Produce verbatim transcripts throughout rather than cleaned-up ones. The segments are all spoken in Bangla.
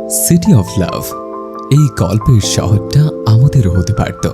সিটি অফ লাভ, এই গল্পের শহরটা আমাদেরও হতে পারত।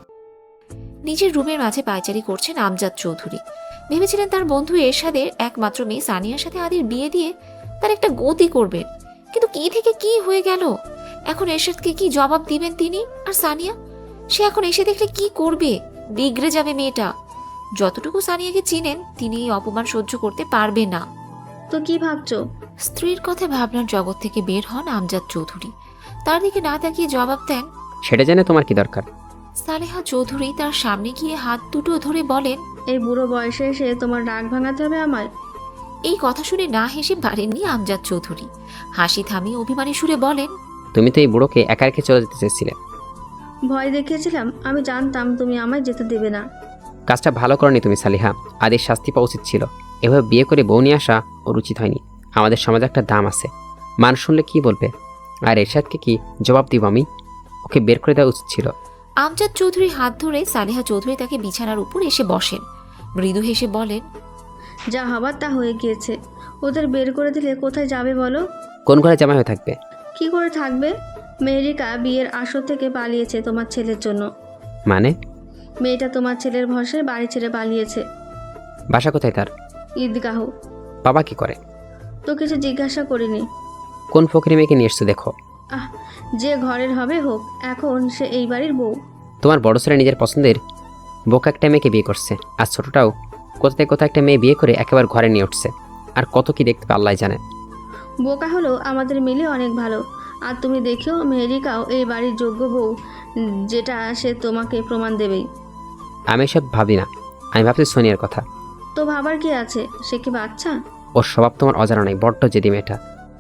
নিজের রুমের মাঝে পায়চারি করছেন আমজাদ চৌধুরী। ভেবেছিলেন তার বন্ধু এরশাদের একমাত্র মেয়ে সানিয়ার সাথে আদির বিয়ে দিয়ে তার একটা গতি করবেন, কিন্তু কি থেকে কি হয়ে গেল। এখন এরশাদকে কি জবাব দিবেন তিনি? আর সানিয়া, সে এখন এসে দেখলে কি করবে? বিগড়ে যাবে মেয়েটা। যতটুকু সানিয়াকে চিনেন তিনি এই অপমান সহ্য করতে পারবে না। তো কি ভাবছো? স্ত্রীর কথা ভাবনার জগৎ থেকে বের হন আমজাদ চৌধুরী। তার দিকে না তাকিয়ে জবাব দেন, সেটা জেনে তোমার কি দরকার? সালেহা চৌধুরী তার সামনে গিয়ে হাত দুটো ধরে বলেন, এই বুড়ো বয়সে এসে তোমার রাগ ভাঙাতে হবে আমায়? এই কথা শুনে না হেসে পারেননি আমজাদ চৌধুরী। হাসি থামিয়ে অভিমানী সুরে বলেন, তুমি তো এই বুড়োকে একা রেখে চলে যেতে চেয়েছিলে। ভয় দেখিয়েছিলাম, আমি জানতাম তুমি আমায় যেতে দেবে না। কাজটা ভালো করনি তুমি সালিহা, আদির শাস্তি পাওয়া উচিত ছিল। এভাবে বিয়ে করে বউ নিয়ে আসা ওর উচিত হয়নি। আমাদের সমাজে একটা দাম আছে, মানুষ শুনলে কি বলবে? আর এরশাদকে কি জবাব দিব আমি? ওকে বের করে দেওয়া উচিত ছিল। আমজাদ চৌধুরীর হাত ধরে সালেহা চৌধুরী তাকে বিছানার উপর এসে বসেন। মৃদু হেসে বলেন, যা হবার তা হয়ে গিয়েছে। ওদের বের করে দিলে কোথায় যাবে বলো? কোন ঘরে জামাই হয়ে থাকবে? কি করে থাকবে? মেহেরিকা বিয়ের আসর থেকে পালিয়েছে তোমার ছেলের জন্য। মানে? মেয়েটা তোমার ছেলের ভরসায় বাড়ি ছেড়ে পালিয়েছে। বাসা কোথায় তার? ঈদগাহ। বাবা কি করে? তো কিছু জিজ্ঞাসা করিনি। কোন ফকিরি মেয়েকে নিয়ে এসছো দেখো। আহ, যে ঘরের হবে হোক, এখন সে এই বাড়ির বউ। তোমার বড় ছেলে নিজের পছন্দের বোকা একটা মেয়েকে বিয়ে করছে, আর ছোটটাও কোথায় কোথায় একটা মেয়ে বিয়ে করে একেবারে ঘরে নিয়ে উঠছে। আর কত কি দেখতে আল্লাহ জানে। বোকা হলো আমাদের মিলে অনেক ভালো। আর তুমি দেখেও মেহেরিকাও এই বাড়ির যোগ্য বউ, যেটা সে তোমাকে প্রমাণ দেবেই। আমি এসব ভাবি না, আমি ভাবছি সোনিয়ার কথা। তো ভাবার কি আছে? সে কি বাচ্চা? ওর স্বভাব তোমার অজানা নাই, বড্ড জেদি মেয়েটা।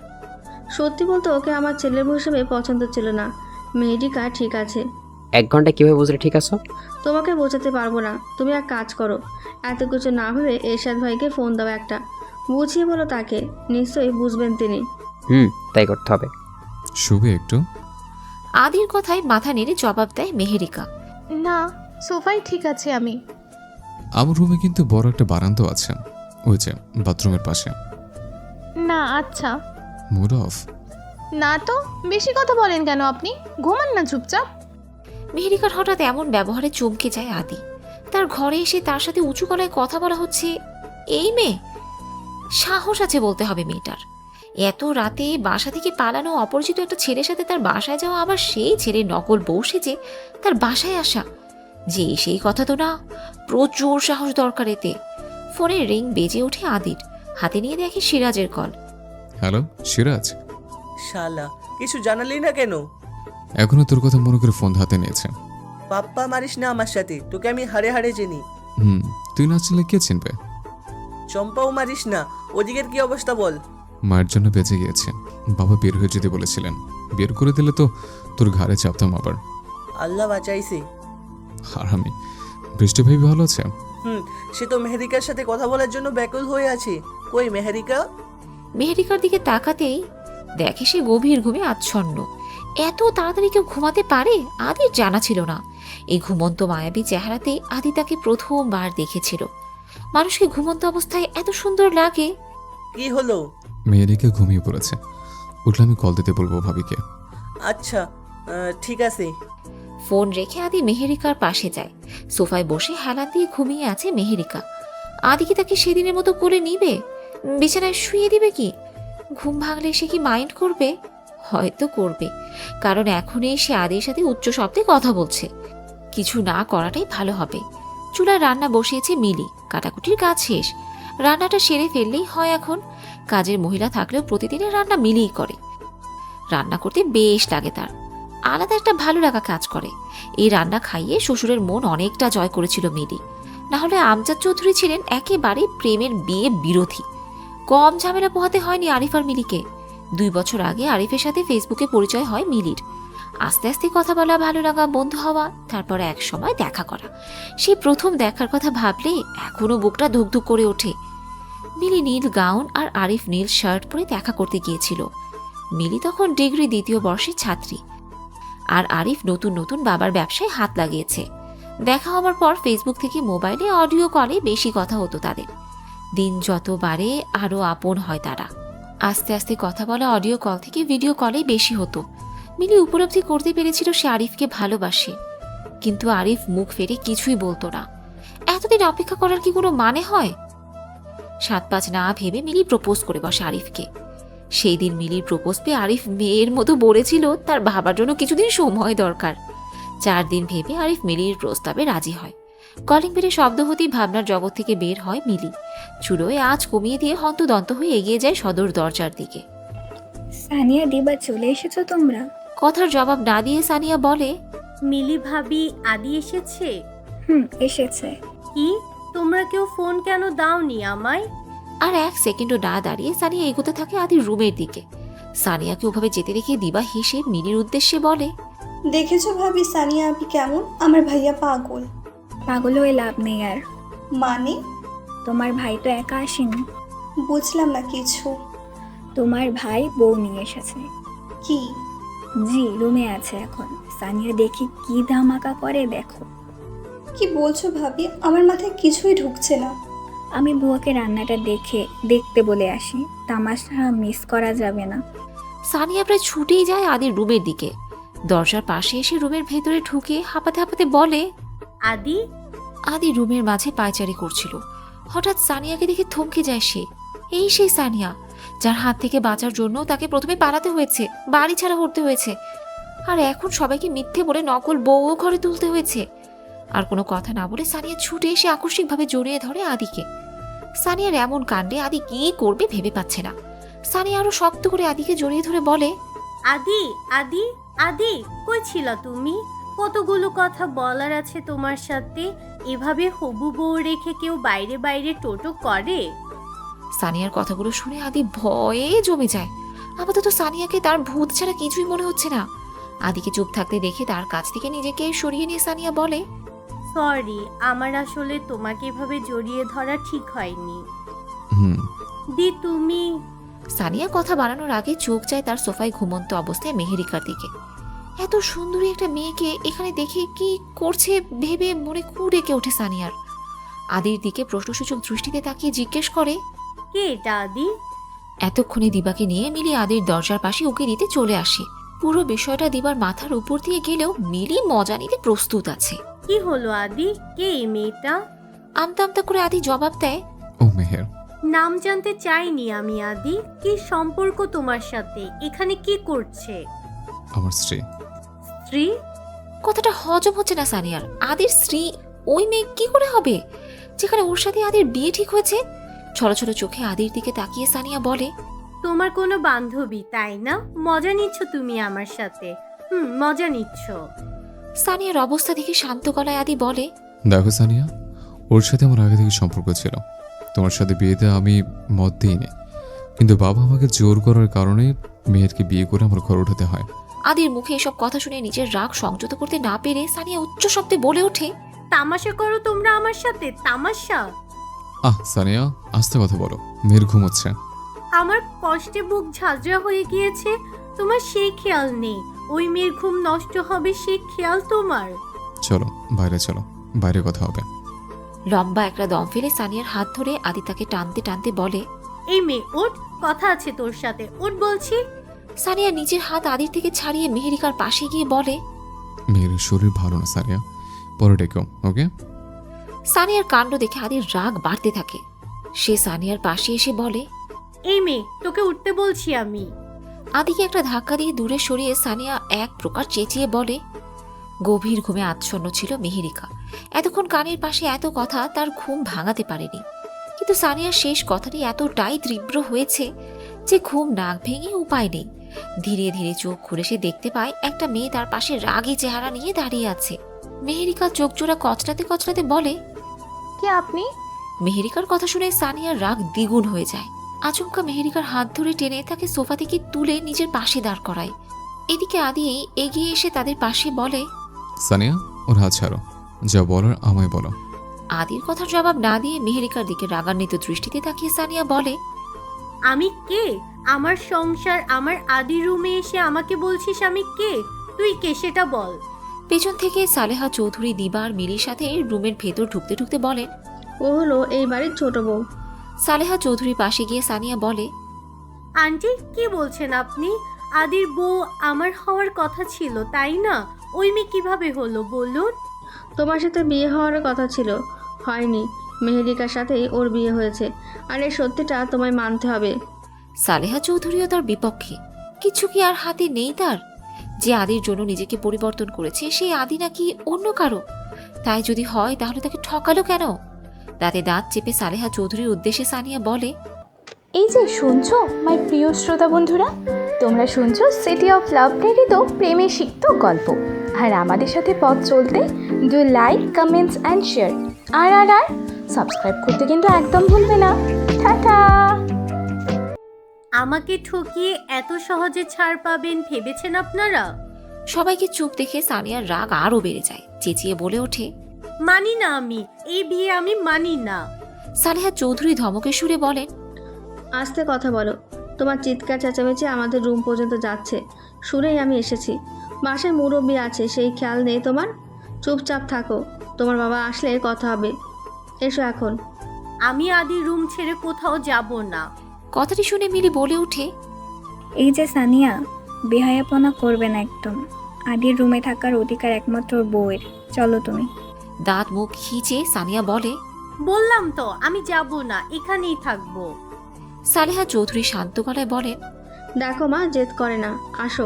সত্যি বলতে ওকে আমার ছেলের বউ হিসেবে পছন্দ ছিল না। মেহেরিকা ঠিক আছে। এক ঘন্টায় কীভাবে বুঝলে ঠিক আছো? তোমাকে বোঝাতে পারবো না। তুমি এক কাজ করো, এত কিছু না ভেবে এরশাদ ভাইকে ফোন দাও একটা, বুঝিয়ে বলো তাকে, নিশ্চয়ই বুঝবেন তিনি। হুম, তাই করতে হবে। শুভে একটু। আদির কথায় মাথা নেড়ে জবাব দেয় মেহেরিকা। না, সোফাই ঠিক আছে আমি। আমার রুমে কিন্তু বড় একটা বারান্দা আছে, ওই যে বাথরুমের পাশে। না আচ্ছা। Mood off? না তো, বেশি কথা বলেন কেন আপনি? ঘুমান না চুপচাপ। মেহেরিকার হঠাৎ এমন ব্যবহারে চমকে যায় আদি। তার ঘরে এসে তার সাথে উঁচু গলায় কথা বলা হচ্ছে। এই মেয়ে, সাহস আছে বলতে হবে মেয়েটার। এত রাতে বাসা থেকে পালানো অপরিচিত একটা ছেলের সাথে তার বাসায় যাওয়া, আবার সেই ছেলের নকল বউ সেজে তার বাসায় আসা, যে সেই কথা তো না। প্রচুর সাহস দরকার এতে। ফোনের রিং বেজে ওঠে আদির। হাতে নিয়ে দেখে সিরাজের কল। হ্যালো সিরাজ। শালা, কিছু জানালি না কেন? এখনো তোর কথা মনে করে ফোন হাতে নিয়েছে। পাপ্পা মারিস না আমার সাথে, তোকে আমি হারে হারে চিনি। হুম, তুই না চিনলে কে চিনবে? চম্পাও মারিস না। ওদিকের কি অবস্থা বল? মায়ের জন্য বেঁচে গিয়েছে। বাবা বের হয়ে যেতে বলেছিলেন, বের করে দিলে তো তোর ঘাড়ে চাপতাম আবার। আল্লাহ বাঁচাইছে। আর আমি, বৃষ্টি ভাই ভালো আছে? হুম, সে তো মেহেরিকার সাথে কথা বলার জন্য ব্যাকুল হয়ে আছে। কই মেহেরিকা? মেহেরিকার দিকে তাকাতেই দেখে সে গভীর ঘুমে আচ্ছন্ন। এত তাড়াতাড়ি কেউ ঘুমাতে পারে আদির জানা ছিল না। এই ঘুমন্ত মায়াবী চেহারাতেই আদি তাকে প্রথমবার দেখেছিল। মানুষকে ঘুমন্ত অবস্থায় এত সুন্দর লাগে। কি হলো? মেয়েরিকে ঘুমিয়ে পড়েছে, উঠলে আমি কল দিতে বলবো ভাবিকে। আচ্ছা, আহ, ঠিক আছে। ফোন রেখে আদি মেহেরিকার পাশে যায়। সোফায় বসে হেলান দিয়ে ঘুমিয়ে আছে মেহেরিকা। আদি কি তাকে সেদিনের মতো করে নিবে? বিছানায় শুয়ে দিবে কি? ঘুম ভাঙলে সে কি মাইন্ড করবে? হয়তো করবে, কারণ এখনই সে আদির সাথে উচ্চ শব্দে কথা বলছে। কিছু না করাটাই ভালো হবে। চুলায় রান্না বসিয়েছে মিলি, কাটাকুটির কাজ শেষ। রান্নাটা সেরে ফেললেই হয় এখন। কাজের মহিলা থাকলেও প্রতিদিনের রান্না মিলিই করে। রান্না করতে বেশ লাগে তার, আলাদা একটা ভালো লাগা কাজ করে। এই রান্না খাইয়ে শ্বশুরের মন অনেকটা জয় করেছিল মিলি। না হলে আমজাদ চৌধুরী ছিলেন একেবারে প্রেমের বিয়ে বিরোধী। কম ঝামেলা পোহাতে হয়নি আরিফ আর মিলিকে। দুই বছর আগে আরিফের সাথে ফেসবুকে পরিচয় হয় মিলির। আস্তে আস্তে কথা বলা, ভালো লাগা, বন্ধু হওয়া, তারপরে এক সময় দেখা করা। সেই প্রথম দেখার কথা ভাবলে এখনো বুকটা ধুকধুক করে ওঠে। মিলি নীল গাউন আর আরিফ নীল শার্ট পরে দেখা করতে গিয়েছিল। মিলি তখন ডিগ্রি দ্বিতীয় বর্ষের ছাত্রী, আর আরিফ নতুন নতুন বাবার ব্যবসায় হাত লাগিয়েছে। দেখা হওয়ার পর ফেসবুক থেকে মোবাইলে অডিও কলে বেশি কথা হতো তাদের। দিন যত বাড়ে আরও আপন হয় তারা। আস্তে আস্তে কথা বলা অডিও কল থেকে ভিডিও কলেই বেশি হতো। মিলি উপলব্ধি করতে পেরেছিল সে আরিফকে ভালোবাসে, কিন্তু আরিফ মুখ ফেরে কিছুই বলতো না। এতদিন অপেক্ষা করার কি কোনো মানে হয়? সাত পাঁচ না ভেবে মিলি প্রপোজ করে বসে আরিফকে। সেই দিন মিলির প্রপোজ পেয়ে আরিফ মেয়ের মতো বলেছিল তার ভাবার জন্য কিছুদিন সময় দরকার। চার দিন ভেবে আরিফ মিলির প্রস্তাবে রাজি হয়। কলিং বেলে শব্দ হতেই ভাবনার জগৎ থেকে বের হয় মিলি। চুলোয় আঁচ কমিয়ে দিয়ে হন্তদন্ত হয়ে এগিয়ে যায় সদর দরজার দিকে। সানিয়া দিবা চলে এসেছো তোমরা? কথার জবাব না দিয়ে সানিয়া বলে, মিলি ভাবি আদি এসেছে? হুম, এসেছে। কি, তোমরা কেউ ফোন কেন দাওনি আমায়? আর এক সেকেন্ডও না দাঁড়িয়ে সানিয়া এগোতে থাকে আদির রুমের দিকে। সানিয়াকে ওভাবে যেতে দেখে দিবা হেসে মিলির উদ্দেশ্যে বলে, দেখেছো ভাবি সানিয়া আপনি কেমন? আমার ভাইয়া পাগল। পাগল হয়ে লাভ নেই আর। মানে? তোমার ভাই তো একা আসেনি। বুঝলাম না কিছু। তোমার ভাই বউ নিয়ে এসেছে। কি? জি, রুমে আছে এখন। সানিয়া দেখি কি ধামাকা করে দেখো। কি বলছো ভাবি? আমার মাথায় কিছুই ঢুকছে না। আমি বুয়াকে রান্নাটা দেখে দেখতে বলে আসি, তামাশা মিস করা যাবে না। সানিয়া প্রায় ছুটেই যায় আদির রুমের দিকে। দরজার পাশে এসে রুমের ভেতরে ঢুকে হাঁপাতে হাঁপাতে বলে, আদি? আদি রুমের মাঝে পায়চারি করছিল। হঠাৎ সানিয়াকে দেখে থমকে যায় সে। এই সেই সানিয়া যার হাত থেকে বাঁচার জন্য তাকে প্রথমে পালাতে হয়েছে, বাড়ি ছাড়া করতে হয়েছে, আর এখন সবাইকে মিথ্যে বলে নকল বউও ঘরে তুলতে হয়েছে। আর কোনো কথা না বলে সানিয়া ছুটে এসে আকস্মিকভাবে জড়িয়ে ধরে আদিকে। সানিয়ার এমন কাণ্ডে আদি কি করবে ভেবে পাচ্ছে না। সানিয়া আরো শক্ত করে আদিকে জড়িয়ে ধরে বলে, আদি আদি আদি, কই ছিল তুমি? কতগুলো কথা বলার আছে তোমার সাথে। এভাবে হবু বউ রেখে কেউ বাইরে বাইরে টোটো করে? সানিয়ার কথাগুলো শুনে আদি ভয়ে জমে যায়। আপাতত সানিয়াকে তার ভূত ছাড়া কিছুই মনে হচ্ছে না। আদিকে চুপ থাকতে দেখে তার কাছ থেকে নিজেকে সরিয়ে নিয়ে সানিয়া বলে, সরি, আমার আসলে তোমাকে এভাবে জড়িয়ে ধরা ঠিক হয়নি। হুম দি তুমি। সানিয়া কথা বাড়ানোর আগে চোখ যায় তার সোফায় ঘুমন্ত অবস্থায় মেহেরিকার দিকে। এত সুন্দরী একটা মেয়েকে এখানে দেখে কি করছে ভেবে মনে কু ডেকে ওঠে সানিয়ার। আদির দিকে প্রশ্নসূচক দৃষ্টিতে তাকিয়ে জিজ্ঞেস করে, কে এটা আদি? এতক্ষণে দিবাকে নিয়ে মিলি আদির দরজার পাশে উকি দিতে চলে আসে। পুরো বিষয়টা দিবার মাথার উপর দিয়ে গেলেও মিলি মজা নিতে প্রস্তুত আছে। কি হলো আদি? কে এই মেয়েটা? আমতা আমতা করে আদি জবাব দেয়, ও মেহের। নাম জানতে চাইনি আমি আদি। কি সম্পর্ক তোমার সাথে? এখানে কি করছে? আমার স্ত্রী। স্ত্রী? কথাটা হজম হচ্ছে না সানিয়ার। আদির স্ত্রী ওই মেয়ে কি করে হবে যেখানে ওর সাথে আদির বিয়ে ঠিক হয়েছে? ছোট ছোট চোখে আদির দিকে তাকিয়ে সানিয়া বলে, তোমার কোনো বান্ধবী তাই না? মজা নিচ্ছ তুমি আমার সাথে? হুম, মজা নিচ্ছ। সানিয়ার অবস্থা দেখে শান্ত গলায় আদি বলে, দেখো সানিয়া, ওর সাথে আমার আগে থেকে সম্পর্ক ছিল। তোমার সাথে বিয়েতে আমি মত দিইনি, কিন্তু বাবা আমাকে জোর করার কারণে মেয়েরকে বিয়ে করে আমার ঘর উঠাতে হয়। আদির মুখে এসব কথা শুনে নিজের রাগ সংযত করতে না পেরে সানিয়া উচ্চ শব্দে বলে ওঠে, তামাশা করো তোমরা আমার সাথে? তামাশা? আহ সানিয়া, আস্তে কথা বলো, মেয়ের ঘুমোচ্ছে। আমার কষ্টে বুক ঝাঁঝরা হয়ে গিয়েছে, তোমার সেই খেয়াল নেই? ওই মেয়ের ঘুম নষ্ট হবে সেই খেয়াল তোমার? চলো বাইরে চলো, বাইরে কথা হবে। লম্বা একটা দম ফেলে সানিয়ার হাত ধরে আদি তাকে টানতে টানতে বলে, এই মেয়ে ওঠ, কথা আছে তোর সাথে, ওঠ বলছি। সানিয়া নিজের হাত আদির থেকে ছাড়িয়ে মেহেরিকার পাশে গিয়ে বলে, মেয়ের শরীর ভালো না সানিয়া, পরে ডেকো, ওকে? সানিয়ার কাণ্ড দেখে আদির রাগ বাড়তে থাকে। সে সানিয়ার পাশে এসে বলে, এই মেয়ে, তোকে উঠতে বলছি আমি। আদিকে একটা ধাক্কা দিয়ে দূরে সরিয়ে সানিয়া এক প্রকার চেঁচিয়ে বলে। গভীর ঘুমে আচ্ছন্ন ছিল মেহেরিকা। এতক্ষণ কানের পাশে এত কথা তার ঘুম ভাঙাতে পারেনি, কিন্তু সানিয়ার শেষ কথাটি এতটাই তীব্র হয়েছে যে ঘুম নাক ভেঙে উপায় নেই। ধীরে ধীরে চোখ খুলে সে দেখতে পায় একটা মেয়ে তার পাশে রাগী চেহারা নিয়ে দাঁড়িয়ে আছে। মেহেরিকা চোখ জোড়া কচলাতে কচলাতে বলে, কে আপনি? মেহেরিকার কথা শুনে সানিয়ার রাগ দ্বিগুণ হয়ে যায়। আচমকা মেহেরিকার হাত ধরে টেনে তাকে সোফা থেকে তুলে নিজের পাশে দাঁড় করায়। এদিকে আদি এগিয়ে এসে তাদের পাশে বলে, সানিয়া, ওর হাত ছাড়ো, যা বলার আমায় বলো। আদির কথার জবাব না দিয়ে মেহেরিকার দিকে রাগান্বিত দৃষ্টিতে তাকিয়ে সানিয়া বলে, আমি কে? আমার সংসার, আমার আদি রুমে এসে আমাকে বলছিস আমি কে? তুই কে সেটা বল। পেছন থেকে সালেহা চৌধুরী দিবা আর মিলির সাথে রুমের ভেতর ঢুকতে ঢুকতে বলেন, ও হলো এই বাড়ির ছোট বউ। সালেহা চৌধুরী পাশে গিয়ে সানিয়া বলে, আন্টি কি বলছেন আপনি? আদির বউ আমার হওয়ার কথা ছিল তাই না? ওই মেয়ে কিভাবে হলো বলুন? তোমার সাথে বিয়ে হওয়ার কথা ছিল, হয়নি। মেহেরিকার সাথেই ওর বিয়ে হয়েছে, আর এই সত্যিটা তোমায় মানতে হবে। সালেহা চৌধুরীও তার বিপক্ষে। কিছু কি আর হাতে নেই তার? যে আদির জন্য নিজেকে পরিবর্তন করেছে সেই আদি নাকি অন্য কারো? তাই যদি হয় তাহলে তাকে ঠকালো কেন? দাঁতে দাঁত চেপে সালেহা চৌধুরীর উদ্দেশ্যে সানিয়া বলে, এই যে শুনছো মাই প্রিয় শ্রোতা বন্ধুরা, তোমরা শুনছো সিটি অফ লাভ প্রেরিত প্রেমে সিক্ত গল্প। আর আমাদের সাথে পথ চলতে do like, comments and share. আর আর আর সাবস্ক্রাইব করতে কিন্তু একদম ভুলবে না। টাটা। আমাকে ঠকিয়ে এত সহজে ছাড় পাবেন ভেবেছেন আপনারা? সবাইকে চুপ দেখে সানিয়ার রাগ আরও বেড়ে যায়। চেঁচিয়ে বলে ওঠে, মানি না আমি, এই বিয়ে আমি মানি না। সালেহা চৌধুরী ধমকে সুরে বলেন, আস্তে কথা বলো, তোমার চিৎকার চেঁচামেচি আমাদের রুম পর্যন্ত যাচ্ছে। শুনেই আমি এসেছি। বাসায় মুরব্বি আছে, সেই খেয়াল নেই তোমার? চুপচাপ থাকো, তোমার বাবা আসলে কথা হবে। এসো এখন। আমি আদির রুম ছেড়ে কোথাও যাব না। কথাটি শুনে মিলি বলে ওঠে, এই যে সানিয়া, বেহায়াপনা করবে না একদম। আদির রুমে থাকার অধিকার একমাত্র ওর বউয়ের। চলো তুমি। দাঁত মুখ খিচে সানিয়া বলে, বললাম তো আমি যাব না, এখানেই থাকবো। সালেহা চৌধুরী শান্ত গলায় বলেন, দেখো মা, জেদ করে না, আসো।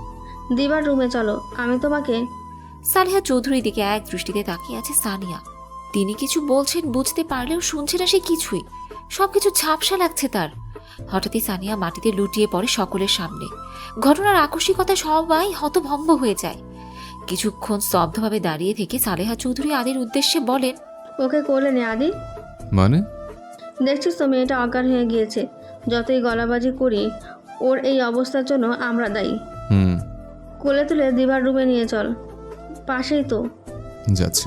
দিবার রুমে চলো, আমি তোমাকে। সালেহা চৌধুরীর দিকে এক দৃষ্টিতে তাকিয়ে আছে সানিয়া। তিনি কিছু বলছেন বুঝতে পারলেও শুনছে না সে কিছুই। সবকিছু ঝাপসা লাগছে তার। হঠাৎই সানিয়া মাটিতে লুটিয়ে পড়ে সকলের সামনে। ঘটনার আকস্মিকতায় সবাই হতভম্ব হয়ে যায়। কিছুক্ষণ স্তব্ধভাবে দাঁড়িয়ে থেকে সালেহা চৌধুরী আদির উদ্দেশ্যে বলেন, ওকে কোলে নে আদি। মানে? দেখছিস তো মেয়েটা অজ্ঞান হয়ে গিয়েছে। যতই গলাবাজি করি, ওর এই অবস্থার জন্য আমরা দায়ী। হুম, কোলে তুলে দিবার রুমে নিয়ে চল, পাশেই তো। যাচ্ছে।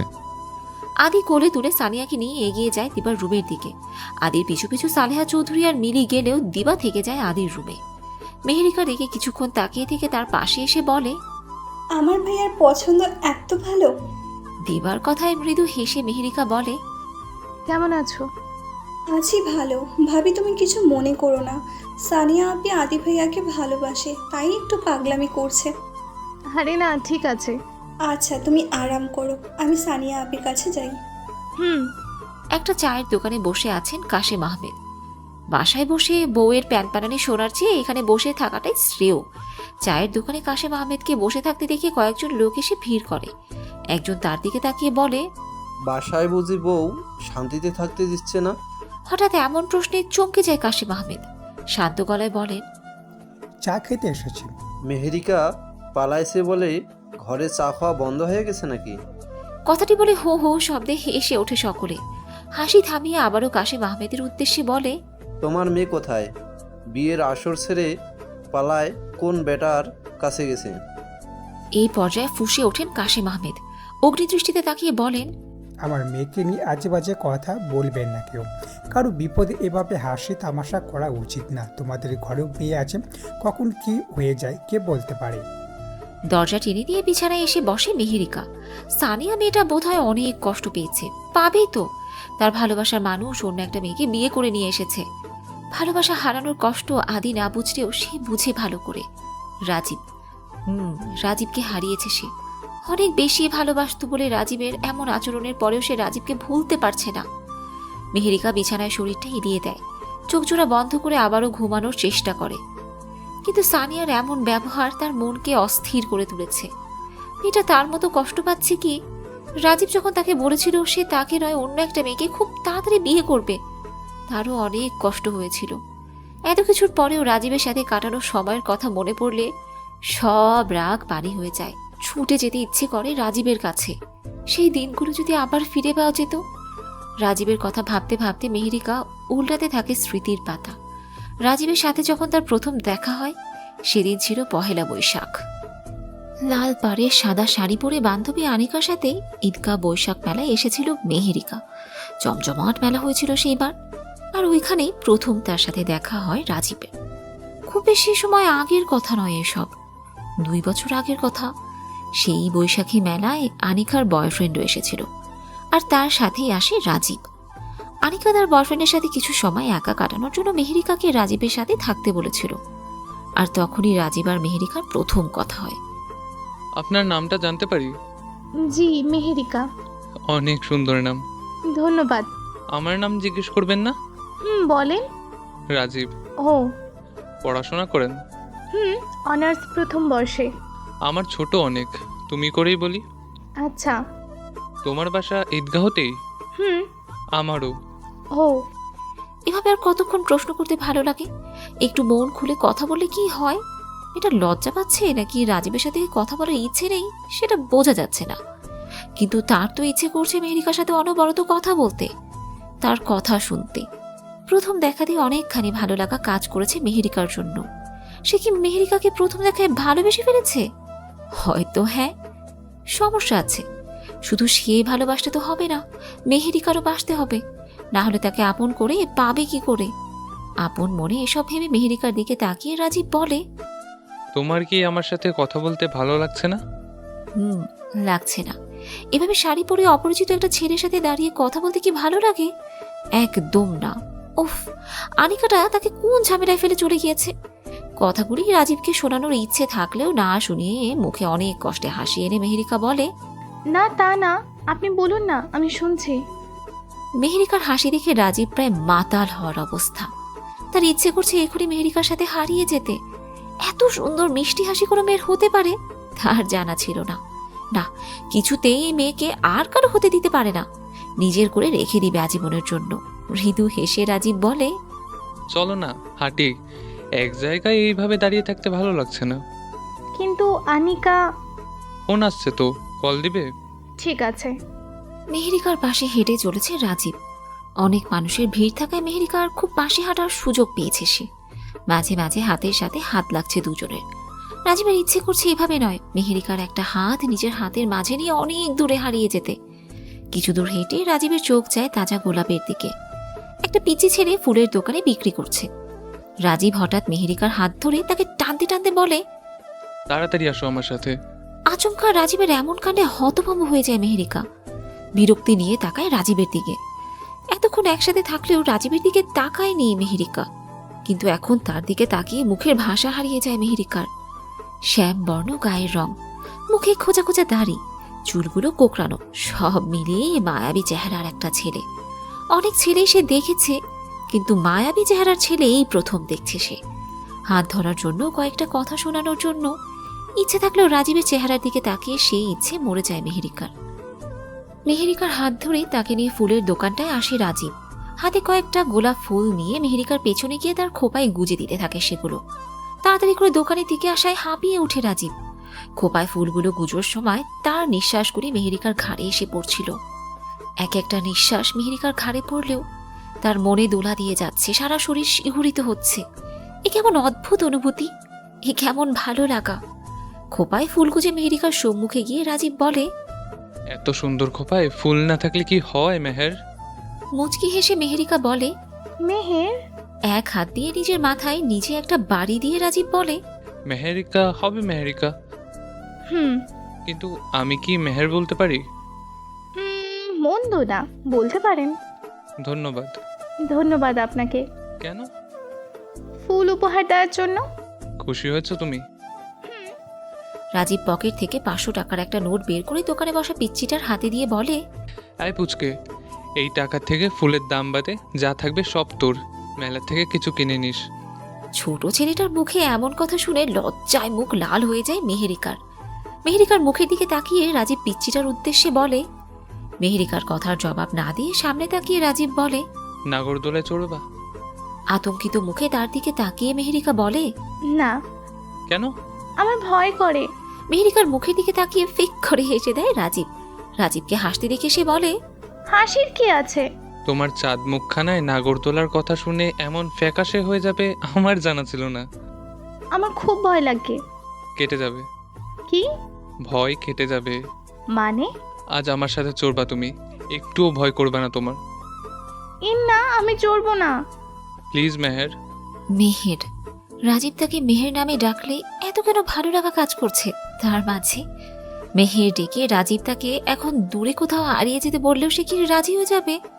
আদি কোলে তুলে সানিয়াকে নিয়ে এগিয়ে যায় দিবার রুমের দিকে। আদির পিছু পিছু সালেহা চৌধুরী আর মিলি গেলেও দিবা থেকে যায় আদির রুমে। মেহেরিকা রেগে কিছুক্ষণ তাকিয়ে থেকে তার পাশে এসে বলে, আমার ভাইয়ার পছন্দ এত ভালো। দিবার কথায় মৃদু হেসে মেহেরিকা বলে, কেমন আছো? আছি ভালো। ভাবি তুমি কিছু মনে করো না, সানিয়া আপি আদি ভাইয়াকে ভালোবাসে, তাই একটু পাগলামি করছে। আরে না, ঠিক আছে। আচ্ছা তুমি আরাম করো, আমি সানিয়া আপির কাছে যাই। হুম। একটা চায়ের দোকানে বসে আছেন কাশেম আহমেদ। বাসায় বসে বউয়ের প্যানপ্যানানি শোনার চেয়ে এখানে বসে থাকাটাই শ্রেয়। চায়ের দোকানে কাশেম আহমেদকে বসে থাকতে দেখে কয়েকজন লোক এসে ভিড় করে। একজন তার দিকে তাকিয়ে বলে, বাসায় বুঝি বউ শান্তিতে থাকতে দিচ্ছে না? হঠাৎ এমন প্রশ্নে চমকে যায় কাশেম আহমেদ। শান্ত গলায় বলেন, চা খেতে এসেছি। মেহেরিকা পালাইছে বলে ঘরে চা খাওয়া বন্ধ হয়ে গেছে নাকি? কথাটি বলে হো হো শব্দে হেসে ওঠে সকলে। হাসি থামিয়ে আবারও কাশেম আহমেদের উদ্দেশ্যে বলে, তোমার মেয়ে কোথায়? বিয়ের আসর ছেড়ে পালায় কোন বেটার কাছে গেছে? এই পর্যায়ে ফুঁসে ওঠেন কাশেম আহমেদ। অগ্নিদৃষ্টিতে তাকিয়ে বলেন, আমার মেয়েকে নিয়ে আজে বাজে কথা বলবেন না কেউ। কারো বিপদে এভাবে হাসি তামাশা করা উচিত না। তোমাদের ঘরেও মেয়ে আছে, কখন কি হয়ে যায় কে বলতে পারে। দরজা টেনে দিয়ে বিছানায় এসে বসে মেহেরিকা। সানিয়া মেয়েটা বোধহয় অনেক কষ্ট পেয়েছে, পাবেই তো। তার ভালোবাসার মানুষ অন্য একটা মেয়েকে বিয়ে করে নিয়ে এসেছে। ভালোবাসা হারানোর কষ্ট আদি না বুঝলেও সে বুঝে ভালো করে। রাজীব, হুম রাজীবকে হারিয়েছে সে। অনেক বেশি ভালোবাসত বলে রাজীবের এমন আচরণের পরেও সে রাজীবকে ভুলতে পারছে না। মেহেরিকা বিছানায় শরীরটা এড়িয়ে দেয়, চোখ জোড়া বন্ধ করে আবারও ঘুমানোর চেষ্টা করে। কিন্তু সানিয়ার এমন ব্যবহার তার মনকে অস্থির করে তুলেছে। মেয়েটা তার মতো কষ্ট পাচ্ছে কি? রাজীব যখন তাকে বলেছিল সে তাকে নয় অন্য একটা মেয়েকে খুব তাড়াতাড়ি বিয়ে করবে, তারও অনেক কষ্ট হয়েছিল। এত কিছুর পরেও রাজীবের সাথে কাটানো সময়ের কথা মনে পড়লে সব রাগ পানি হয়ে যায়। ছুটে যেতে ইচ্ছে করে রাজীবের কাছে। সেই দিনগুলো যদি আবার ফিরে পাওয়া যেত। রাজীবের কথা ভাবতে ভাবতে মেহেরিকা উল্টাতে থাকে স্মৃতির পাতা। রাজীবের সাথে যখন তার প্রথম দেখা হয় সেদিন ছিল পহেলা বৈশাখ। লাল পাড়ে সাদা শাড়ি পরে বান্ধবী আনিকার সাথে ঈদগাহ বৈশাখ মেলায় এসেছিল মেহেরিকা। জমজমাট মেলা হয়েছিল সেইবার। আর ওইখানেই প্রথম তার সাথে দেখা হয় রাজীবের। খুব বেশি সময় আগের কথা নয় এসব, দুই বছর আগের কথা। সেই বৈশাখী মেলায় আনিকার বয়ফ্রেন্ডও এসেছিল, আর তার সাথেই আসে রাজীব। আনিকা তার বয়ফ্রেন্ডের সাথে কিছু সময় একা কাটানোর জন্য মেহেরিকাকে রাজীবের সাথে থাকতে বলেছিল। আর তখনই রাজীব আর মেহেরিকার প্রথম কথা হয়। আপনার নামটা জানতে পারি? জি, মেহেরিকা। অনেক সুন্দর নাম। ধন্যবাদ। আমার নাম জিজ্ঞেস করবেন না? হুম, বলেন। রাজীব। ও। পড়াশোনা করেন? হুম, অনার্স প্রথম বর্ষে। আমার ছোট অনেক, তুমি করেই বলি। আচ্ছা। তোমার বাসা ঈদগাহতেই? হুম। আমারও। ও। এভাবে আর কতক্ষণ প্রশ্ন করতে ভালো লাগে? একটু মন খুলে কথা বললে কি হয়? এটা লজ্জা পাচ্ছে নাকি রাজীবের সাথে কথা বলার ইচ্ছে নেই সেটা বোঝা যাচ্ছে না, কিন্তু তার তো ইচ্ছে করছে মেহেরিকার সাথে অনবরত কথা বলতে, তার কথা শুনতে। প্রথম দেখাতেই অনেকখানি ভালো লাগা কাজ করেছে মেহেরিকার জন্য। সে কি মেহেরিকাকে প্রথম দেখায় ভালোবেসে ফেলেছে? হয়তো হ্যাঁ, সমস্যা আছে। শুধু সে ভালোবাসতে তো হবে না, মেহেরিকারও বাসতে হবে, না হলে তাকে আপন করে পাবে কি করে? আপন মনে এসব ভেবে মেহেরিকার দিকে তাকিয়ে রাজীব বলে, তোমার কি আমার সাথে কথা বলতে ভালো লাগছে না? হুম, লাগছে না। এভাবে শাড়ি পরে অপরিচিত একটা ছেলের সাথে দাঁড়িয়ে কথা বলতে কি ভালো লাগে? একদম না। উফ, আনিকাটা তাকে কোন ঝামেলায় ফেলে চলে গিয়েছে? কথাগুলি রাজীবকে শোনানোর ইচ্ছে থাকলেও না শুনিয়ে মুখে অনেক কষ্টে হাসি এনে মেহেরিকা বলে, না তা না, আপনি বলুন না, আমি শুনছি। মেহেরিকার হাসি দেখে রাজীব প্রায় মাতাল হওয়ার অবস্থা। তার ইচ্ছে করছে এখনই মেহেরিকার সাথে হারিয়ে যেতে। এত সুন্দর মিষ্টি হাসি কোনো মেয়ের হতে পারে তার জানা ছিল না। না, কিছুতেই এই মেয়েকে আর কারো হতে দিতে পারে না, নিজের করে রেখে দিবে আজীবনের জন্য। মৃদু হেসে রাজীব বলে, চলো না হাঁটি, এক জায়গায় এইভাবে দাঁড়িয়ে থাকতে ভালো লাগছে না। কিন্তু আনিকা। ফোন আসছে তো, কল দিবে? ঠিক আছে। মেহেরিকার পাশে হেঁটে চলেছে রাজীব। অনেক মানুষের ভিড় থাকায় মেহেরিকার খুব পাশে হাঁটার সুযোগ পেয়েছে সে। মাঝে মাঝে হাতের সাথে হাত লাগছে দুজনের। রাজীবের ইচ্ছে করছে এভাবে নয়, মেহেরিকার একটা হাত নিজের হাতের মাঝে নিয়ে অনেক দূরে হারিয়ে যেতে। কিছু দূর হেঁটে রাজীবের চোখ যায় তাজা গোলাপের দিকে। একটা পিচি ছেলে ফুলের দোকানে বিক্রি করছে। রাজীব হঠাৎ মেহেরিকার হাত ধরে তাকে টানতে টানতে বলে, তাড়াতাড়ি আসো আমার সাথে। আচমকা রাজীবের এমন কাণ্ডে হতভম্ব হয়ে যায় মেহেরিকা। বিরক্তি নিয়ে তাকায় রাজীবের দিকে। এতক্ষণ একসাথে থাকলেও রাজীবের দিকে তাকায়নি মেহেরিকা, কিন্তু এখন তার দিকে তাকিয়ে মুখের ভাষা হারিয়ে যায় মেহেরিকার। শ্যাম বর্ণ গায়ের রং, মুখে খোঁজা খোঁজা দাড়ি, চুলগুলো কোকড়ানো, সব মিলিয়ে মায়াবী চেহারার একটা ছেলে। অনেক ছেলেই সে দেখেছে, কিন্তু মায়াবী চেহারার ছেলে এই প্রথম দেখছে সে। হাত ধরার জন্য, কয়েকটা কথা শোনানোর জন্য ইচ্ছে থাকলেও রাজীবের চেহারার দিকে তাকিয়ে সেই ইচ্ছে মরে যায় মেহেরিকার। মেহেরিকার হাত ধরে তাকে নিয়ে ফুলের দোকানটায় আসে রাজীব। হাতে কয়েকটা গোলাপ ফুল নিয়ে মেহেরিকার পেছনে গিয়ে তার খোপায় গুজে দিতে থাকে সেগুলো। তাড়াতাড়ি করে দোকানের দিকে আসায় হাঁপিয়ে ওঠে রাজীব। খোপায় ফুলগুলো গুজোর সময় তার নিঃশ্বাসগুলি মেহেরিকার ঘাড়ে এসে পড়ছিল। এক একটা নিঃশ্বাস মেহেরিকার ঘাড়ে পড়লেও তার মনে দোলা দিয়ে যাচ্ছে, সারা শরীর শিহরিত হচ্ছে। এ কেমন অদ্ভুত অনুভূতি, এ কেমন ভালো লাগা। খোপায় ফুল গুজে মেহেরিকার সম্মুখে গিয়ে রাজীব বলে, এত সুন্দর খোপায় ফুল না থাকলে কি হয় মেহের? মুচকি হেসে মেহেরিকা বলে, মেহের। এক হাত দিয়ে নিজের মাথায় নিজে একটা বাড়ি দিয়ে রাজীব বলে, মেহেরিকা হবে মেহেরিকা। হুম। কিন্তু আমি কি মেহের বলতে পারি? হুম, মন্দ না, বলতে পারেন। ধন্যবাদ। ধন্যবাদ আপনাকে। কেন? ফুল উপহার দেওয়ার জন্য। খুশি হয়েছো তুমি? রাজীব পকেট থেকে পাঁচশো টাকার একটা নোট বের করে দোকানে বসা পিচ্চিটার হাতে দিয়ে বলে, আয় পুচকে, এই টাকা থেকে ফুলের দাম বাদে যা থাকবে সব তোর, মেলা থেকে কিছু কিনে নিস। ছোট ছেলেটার মুখে এমন কথা শুনে লজ্জায় মুখ লাল হয়ে যায় মেহেরিকার। মেহেরিকার মুখের দিকে তাকিয়ে রাজীব পিচ্চিটার উদ্দেশ্যে বলে। মেহেরিকার কথার জবাব না দিয়ে সামনে তাকিয়ে রাজীব বলে, নাগরদোলায় চড়বা? আতঙ্কিত মুখে তার দিকে তাকিয়ে মেহেরিকা বলে, না। কেন? আমার ভয় করে। মেহেরিকার মুখের দিকে তাকিয়ে ফিক করে হেসে দেয় রাজীব। রাজীবকে হাসতে দেখে সে বলে, হাসির কি আছে? তোমার চাঁদ মুখখানায় নাগরদোলার কথা শুনে এমন ফ্যাকাশে হয়ে যাবে আমার জানা ছিল না। আমার খুব ভয় লাগে। কেটে যাবে। কি? ভয় কেটে যাবে। মানে? আজ আমার সাথে চড়বা তুমি, একটুও ভয় করবে না তোমার। ইন না, আমি চড়বো না। প্লিজ মেহের। মেহের। রাজীব তাকে মেহের নামে ডাকলে এত কেন ভালো লাগা কাজ করছে তার মাঝে? মেহের ডেকে রাজীব তাকে এখন দূরে কোথাও হারিয়ে যেতে বললেও সে কি রাজি হয়ে যাবে?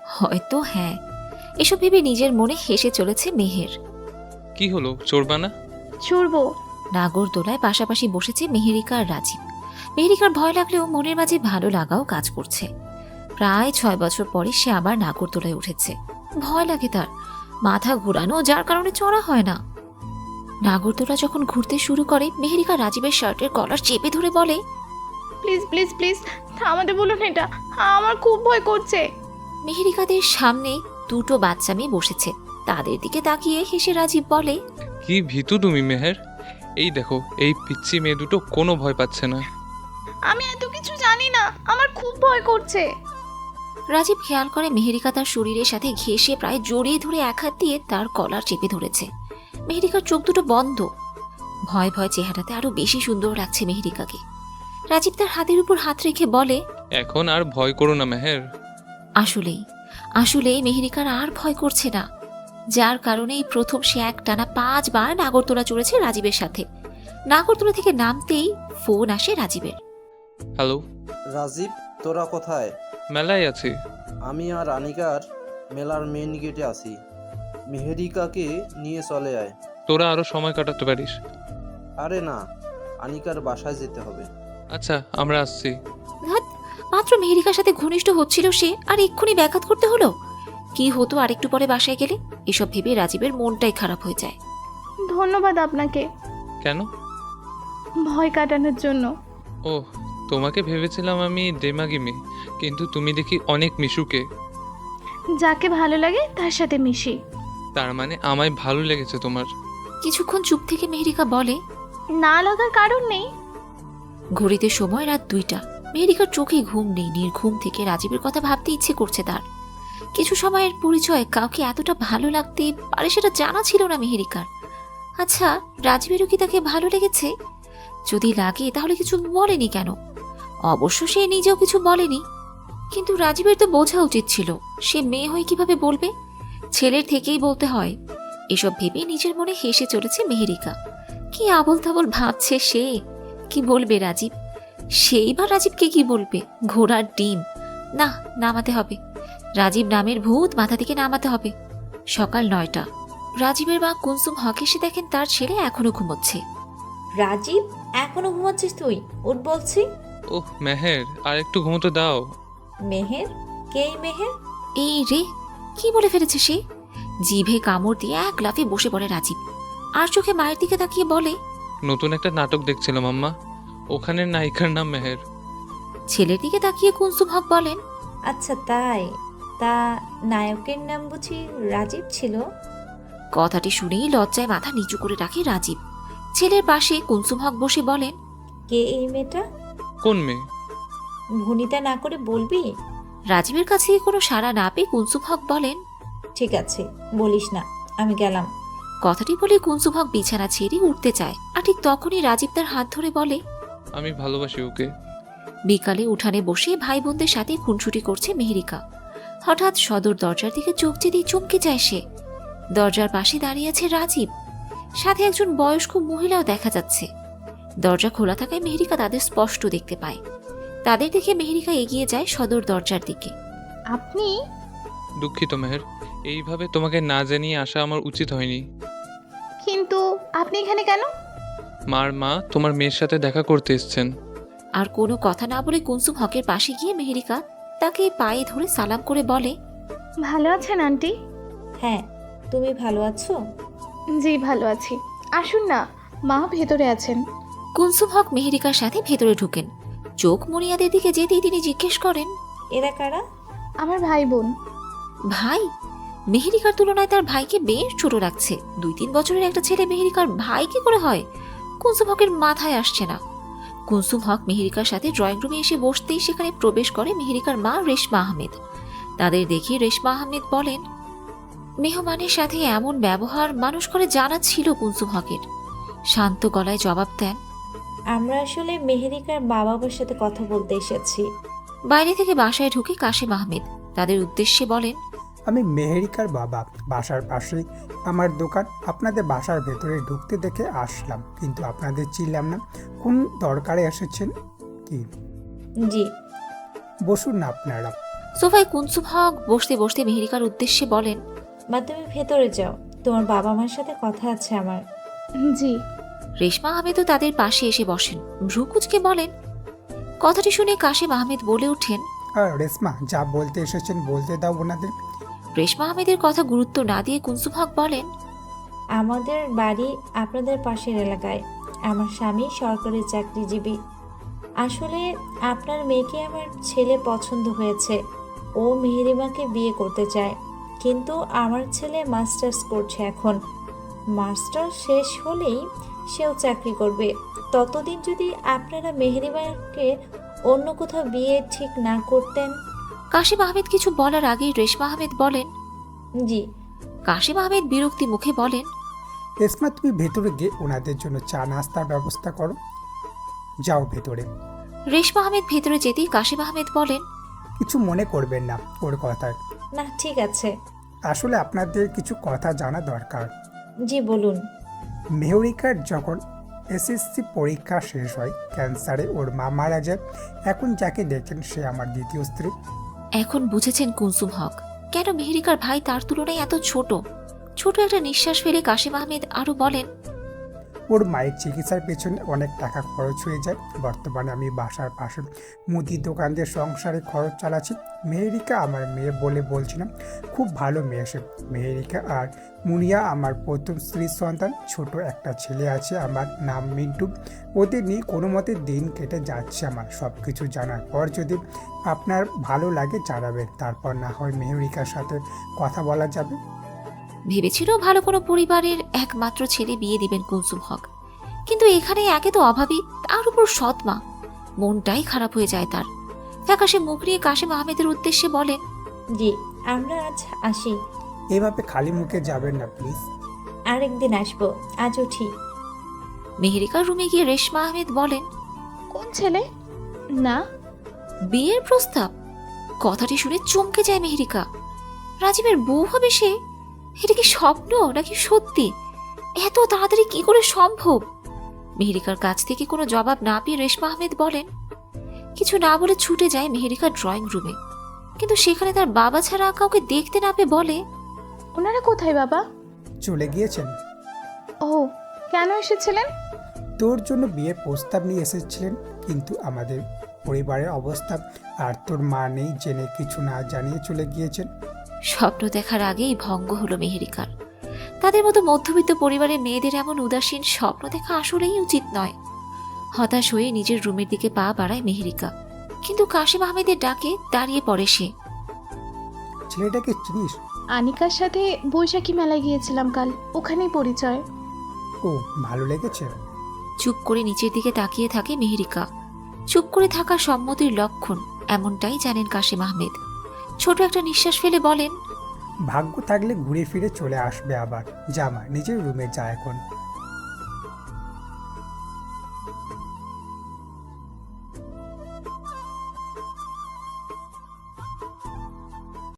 হয়তো হ্যাঁ, এসব ভেবে নিজের মনে হেসে চলেছে মেহের। কি হলো, চড়বা না? চড়বো। নাগরদোলায় পাশাপাশি বসেছে মেহেরিকা আর রাজীব। মেহেরিকার ভয় লাগলেও মনের মাঝে ভালো লাগাও কাজ করছে। প্রায় ছয় বছর পরে সে আবার নাগরদোলায় উঠেছে। ভয় লাগে তার, মাথা ঘোরানো, যার কারণে চড়া হয় না। নাগরদোলা যখন ঘুরতে শুরু করে, মেহেরিকা রাজীবের শার্টের কলার চেপে ধরে বলে, প্লিজ প্লিজ প্লিজ থামাতে বলুন, এটা আমার খুব ভয় করছে। মেহেরিকাদের সামনে দুটো বাচ্চা মেয়ে বসেছে, তাদের দিকে তাকিয়ে হেসে রাজীব বলে, কি ভীতু তুমি মেহের। এই দেখো, এই পিচ্ছি মেয়ে দুটো কোনো ভয় পাচ্ছে না। আমি এত কিছু জানি না, আমার খুব ভয় করছে। রাজীব খেয়াল করে মেহেরিকা তার শরীরের সাথে ঘেঁষে প্রায় জড়িয়ে ধরে এক হাত দিয়ে তার কলার চেপে ধরেছে। মেহেরিকার চোখ দুটো বন্ধ। ভয় ভয় চেহারাতে আরো বেশি সুন্দর লাগছে মেহেরিকাকে। রাজীব তার হাতের উপর হাত রেখে বলে, এখন আর ভয় করো না মেহের। আসলেই আসলেই মেহেরিকার আর ভয় করছে না, যার কারণেই প্রথম সে এক টানা পাঁচবার নাগরদোলা চড়েছে রাজীবের সাথে। নাগরদোলা থেকে নামতেই ফোন আসে রাজীবের। হ্যালো রাজীব, তোরা কোথায়? মেলায় আছি। আমি আর আনিকার মেলার মেন গেটে আছি। মেহেরিকাকে নিয়ে চলে আয়। তোরা আরো সময় কাটাতে পারিস। আরে না, আনিকার বাসায় যেতে হবে। আচ্ছা, আমরা আসছি। ধ্যাৎ, মাত্র মেহেরিকার সাথে ঘনিষ্ঠ হচ্ছিল সে, আর এক্ষুনি ব্যাঘাত করতে হলো। কি হতো আরেকটু পরে বাসায় গেলে? এসব ভেবে রাজীবের মনটাই খারাপ হয়ে যায়। ধন্যবাদ আপনাকে কেন? ভয় কাটানোর জন্য। ও, তোমাকে ভেবেছিলাম আমি দেমাগি মেয়ে, কিন্তু তুমি দেখি অনেক মিশুকে। যাকে ভালো লাগে তার সাথে মিশি। তার মানে আমায় ভালো লেগেছে তোমার? কিছুক্ষণ চুপ থেকে মেহেরিকা বলে, না লাগার কারণ নেই। ঘড়িতে সময় রাত দুইটা। মেহেরিকার চোখে ঘুম নেই। নির্ঘুম থেকে রাজীবের কথা ভাবতে ইচ্ছে করছে তার। কিছু সময়ের পরিচয় কাউকে এতটা ভালো লাগতে পারে সেটা জানা ছিল না মেহেরিকার। আচ্ছা, রাজীবেরও কি তাকে ভালো লেগেছে? যদি লাগে তাহলে কিছু বলেনি কেন? অবশ্য সে নিজেও কিছু বলেনি, কিন্তু রাজীবের তো বোঝা উচিত ছিল। সে মেয়ে হয়ে কিভাবে বলবে? ছেলের থেকেই বলতে হয়। এসব ভেবে নিজের মনে হেসে চলেছে মেহেরিকা। কি আবল তাবল ভাবছে সে। কি বলবে রাজীব? সেই বা রাজীবকে কি বলবে? ঘোড়ার ডিম। না, নামাতে হবে। রাজীব নামের ভূত মাথা থেকে নামাতে হবে। সকাল নয়টা। রাজীবের মা কুনসুম হক এসে দেখেন তার ছেলে এখনো ঘুমোচ্ছে। রাজীব, এখনো ঘুমাচ্ছিস তুই? উঠ বলছি। ওহ মেহের, আর একটু ঘুমোতে দাও। মেহের? কে এই মেহের? এই রে, কি বলে ফেলেছে সে? জিভে কামড় দিয়ে এক লাফে বসে পড়ে রাজীব, আর চোখে মায়ের দিকে তাকিয়ে বলে, নতুন একটা নাটক দেখছিলাম আম্মা, ওখানের নায়িকার নাম মেহের। ছেলের দিকে তাকিয়ে কুনসুম হক বলেন, আচ্ছা তাই? তা নায়কের নাম বুঝি রাজীব ছিল? কথাটি শুনেই লজ্জায় মাথা নিচু করে রাখে রাজীব। ছেলের পাশে কুনসুম হক বসে বলেন, কে এই মেয়েটা? কোন মেয়ে? ভনিতা না করে বলবি? রাজীবের কাছে কোনো সাড়া না পেয়ে কুনসুম হক বলেন, ঠিক আছে, বলিস না, আমি গেলাম। কথাটি বলে কুনসুম হক বিছানা ছেড়ে উঠতে চায়, আর ঠিক তখনই রাজীব তার হাত ধরে বলে, আমি ভালোবাসি ওকে। বিকালে উঠানে বসে ভাই বোনদের সাথে খুনসুটি করছে মেহেরিকা। হঠাৎ সদর দরজার দিকে চোখ যেতেই চমকে যায় সে। দরজার পাশে দাঁড়িয়ে আছে রাজীব, সাথে একজন বয়স্ক মহিলাও দেখা যাচ্ছে। দরজা খোলা থাকায় মেহেরিকা তাদের স্পষ্ট দেখতে পায়। তাদের দেখে মেহেরিকা এগিয়ে যায় সদর দরজার দিকে। আপনি? দুঃখিত মেহের, এইভাবে তোমাকে না জানিয়ে আসা আমার উচিত হয়নি। কিন্তু আপনি এখানে কেন? মার মা তোমার মেয়ের সাথে দেখা করতে এসেছেন। আর কোনো কথা না বলে কুনসুম হকের পাশে গিয়ে মেহেরিকা তাকে পায়ে ধরে সালাম করে বলে, ভালো আছেন আন্টি? হ্যাঁ, তুমি ভালো আছো? জি ভালো আছি। আসুন না, মা ভেতরে আছেন। কুনসুম হক মেহেরিকার সাথে ভেতরে ঢুকেন। চোখ মুনিয়াদের দিকে যেতেই তিনি জিজ্ঞেস করেন, এরা কারা? আমার ভাই বোন। ভাই? মেহেরিকার তুলনায় তার ভাইকে বেশ ছোট লাগছে। দুই তিন বছরের একটা ছেলে মেহেরিকার ভাই কি করে হয়? কুনসুম হকের মাথায় আসছে না। কুনসুম হক মেহেরিকার সাথে ড্রয়িং রুমে এসে বসতেই সেখানে প্রবেশ করে মেহেরিকার মা রেশমা আহমেদ। তাদের দেখে রেশমা আহমেদ বলেন, মেহমানের সাথে এমন ব্যবহার মানুষ করে জানা ছিল কুনসুম হকের। শান্ত গলায় জবাব দেন, আমরা আসলে মেহেরিকার বাবা মার সাথে কথা বলতে এসেছি। বাইরে থেকে বাসায় ঢুকে কাশেম আহমেদ তাদের উদ্দেশ্যে বলেন, আমি মেহেরিকার বাবা, বাসার পাশেই আমার দোকান। আপনাদের বাসার ভেতরে ঢুকতে দেখে আসলাম, কিন্তু আপনাদের চিনলাম না। কোন দরকারে এসেছেন কি? জি। বসুন না আপনারা। সোফায় কুনসুম হক বসতে বসতে মেহেরিকার উদ্দেশ্যে বলেন, মা তুমি ভেতরে যাও, তোমার বাবা মার সাথে কথা আছে আমার। জি। রেশমা আহমেদও তাদের পাশে এসে বসেন। ভ্রুকুচকে বলেন। কথাটি শুনে কাশেম আহমেদ বলে ওঠেন, আর রেশমা যা বলতে এসেছেন বলতে দাও ওনাদের। রেশমা আহমেদের কথা গুরুত্ব না দিয়ে কুনসুম হক বলেন, আমাদের বাড়ি আপনাদের পাশের এলাকায়। আমার স্বামী সরকারি চাকরিজীবী। আসলে আপনার মেয়েকে আমার ছেলে পছন্দ হয়েছে। ও মেহেরিমাকে বিয়ে করতে চায়, কিন্তু আমার ছেলে মাস্টার্স করছে এখন। মাস্টার্স শেষ হলেই সেও চাকরি করবে। ততদিন যদি আপনারা মেহেরিমাকে অন্য কোথাও বিয়ে ঠিক না করতেন। কাশেম আহমেদ কিছু বলার আগেই রেশমা আহমেদ বলেন, জি। কাশেম আহমেদ বিরক্তি মুখে বলেন, রেশমা তুমি ভেতরে গিয়ে ওনাদের জন্য চা নাস্তার ব্যবস্থা করো, যাও ভেতরে। রেশমা আহমেদ ভেতরে যেতেই কাশেম আহমেদ বলেন, কিছু মনে করবেন না ওর কথায়। না ঠিক আছে। আসলে আপনাদের কিছু কথা জানা দরকার। জি বলুন। মেহরিকার যখন এসএসসি পরীক্ষা শেষ হয় ক্যান্সারে ওর মা মারা যায়। এখন যাকে দেখেন সে আমার দ্বিতীয় স্ত্রী। এখন বুঝেছেন কুনসুম হক কেন মেহেরিকার ভাই তার তুলনায় এত ছোট। ছোট একটা নিঃশ্বাস ফেলে কাশেম আহমেদ আরো বলেন, ওর মায়ের চিকিৎসার পেছনে অনেক টাকা খরচ হয়ে যায়। বর্তমানে আমি বাসার পাশে মুদি দোকান দিয়ে সংসারে খরচ চালাচ্ছি। মেহেরিকা আমার মেয়ে বলে বলছিলাম, খুব ভালো মেয়ে সে। মেহেরিকা আর মুনিয়া আমার প্রথম স্ত্রীর সন্তান। ছোট একটা ছেলে আছে, আমার নাম মিন্টু। ওদের নিয়ে কোনো মতে দিন কেটে যাচ্ছে আমার। সব কিছু জানার পর যদি আপনার ভালো লাগে জানাবেন, তারপর না হয় মেহেরিকার সাথে কথা বলা যাবে। ভেবেছিল ভালো কোনো পরিবারের একমাত্র ছেলে বিয়ে দিবেন কুনসুম হক, কিন্তু এখানে একে তো অভাবী, তার উপর সৎ মা। মনটাই খারাপ হয়ে যায় তার। ফ্যাকাশে মুখ নিয়ে কাশেম আহমেদের উদ্দেশ্যে বলেন, জি আমরা আজ আসি। এভাবে খালি মুখে যাবেন না প্লিজ। আরেকদিন আসবো, আজ উঠি। মেহেরিকার রুমে গিয়ে রেশমা আহমেদ বলেন, কোন ছেলে? না। বিয়ের প্রস্তাব। কথাটি শুনে চমকে যায় মেহেরিকা। রাজীবের বউ হবে সে? এটা কি স্বপ্ন নাকি সত্যি? এত তাড়াতাড়ি কি করে সম্ভব? মেহেরিকার কাছ থেকে কোনো জবাব না পেয়ে রেশমা আহমেদ বলেন। কিছু না বলে ছুটে যায় মেহেরিকা ড্রয়িং রুমে, কিন্তু সেখানে তার বাবা ছাড়া কাউকে দেখতে না পেয়ে বলে, ওনারা কোথায় বাবা? চলে গিয়েছেন। ও কেন এসেছিলেন? তোর জন্য বিয়ের প্রস্তাব নিয়ে এসেছিলেন, কিন্তু আমাদের পরিবারের অবস্থা আর তোর মা নেই জেনে কিছু না জানিয়ে চলে গিয়েছেন। স্বপ্ন দেখার আগেই ভঙ্গ হলো মেহেরিকার। তাদের মতো মধ্যবিত্ত পরিবারের মেয়েদের এমন উদাসীন স্বপ্ন দেখা আসলেই উচিত নয়। হতাশ হয়ে নিজের রুমের দিকে পা বাড়ায় মেহেরিকা, কিন্তু কাশেম আহমেদের ডাকে দাঁড়িয়ে পড়ে সে। ছেলেটাকে চিনিস? আনিকার সাথে বৈশাখী মেলায় গিয়েছিলাম কাল, ওখানেই পরিচয়। ও ভালো লেগেছে? চুপ করে নিচের দিকে তাকিয়ে থাকে মেহেরিকা। চুপ করে থাকা সম্মতির লক্ষণ, এমনটাই জানেন কাশেম আহমেদ। ছোট একটা নিঃশ্বাস ফেলে বলেন, ভাগ্য থাকলে ঘুরে ফিরে চলে আসবে আবার। জামা নিজের রুমে যা এখন।